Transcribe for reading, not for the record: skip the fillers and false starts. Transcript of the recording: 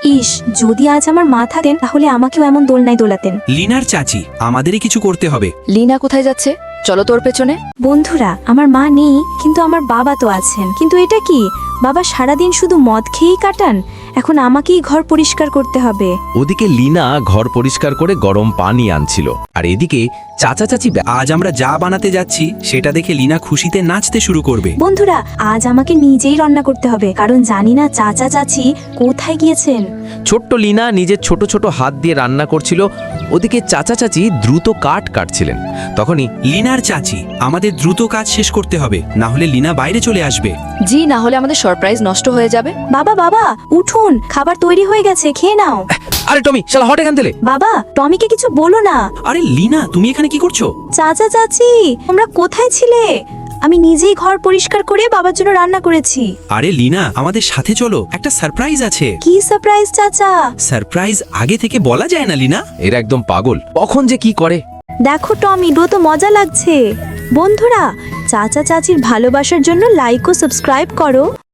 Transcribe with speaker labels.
Speaker 1: ইস, যদি আজ আমার মা থাকেন তাহলে আমাকেও এমন দোলনায় দোলাতেন।
Speaker 2: লিনার চাচি, আমাদেরই কিছু করতে হবে।
Speaker 3: লিনা কোথায় যাচ্ছে? চলো তোর পেছনে।
Speaker 1: বন্ধুরা, আমার মা নেই কিন্তু আমার বাবা তো আছেন। কিন্তু এটা কি, বাবা সারাদিন শুধু মদ খেয়েই কাটান। এখন আমাকেই ঘর পরিষ্কার করতে হবে।
Speaker 4: ওদিকে লিনা ঘর পরিষ্কার করে গরম পানি আনছিল, আর এদিকে চাচা চাচি
Speaker 2: আজ আমরা যা বানাতে যাচ্ছি সেটা দেখে লিনা খুশিতে নাচতে শুরু করবে।
Speaker 1: বন্ধুরা, আজ আমাকে নিজেই রান্না করতে হবে, কারণ জানি না চাচা চাচি কোথায় গিয়েছেন।
Speaker 4: ছোট্ট লিনা নিজের ছোট ছোট হাত দিয়ে রান্না করছিল, ওদিকে চাচা চাচি দ্রুত কাঠ কাটছিলেন। তখনই
Speaker 2: লিনার চাচি, আমাদের দ্রুত কাজ শেষ করতে হবে, না হলে লিনা বাইরে চলে আসবে।
Speaker 3: জি, না হলে আমাদের সারপ্রাইজ নষ্ট হয়ে যাবে।
Speaker 1: বাবা বাবা উঠুন, খাবার তৈরি হয়ে গেছে, খেয়ে নাও।
Speaker 4: আরে টমি, শালা হট এখান থেকে।
Speaker 1: বাবা, টমিকে কিছু বলো না।
Speaker 2: আরে লিনা, তুমি এখানে কি করছো?
Speaker 1: চাচা চাচি, তোমরা কোথায় ছিলে? আমি নিজেই ঘর পরিষ্কার করে বাবার জন্য রান্না করেছি।
Speaker 2: আরে লিনা, আমাদের সাথে চলো, একটা সারপ্রাইজ আছে।
Speaker 1: কি সারপ্রাইজ চাচা?
Speaker 2: সারপ্রাইজ আগে থেকে বলা যায় না লিনা।
Speaker 4: এরা একদম পাগল, কখন যে কি করে।
Speaker 1: দেখো টমি, ডো তো মজা লাগছে। বন্ধুরা, চাচা চাচির ভালোবাসার জন্য লাইক ও সাবস্ক্রাইব করো।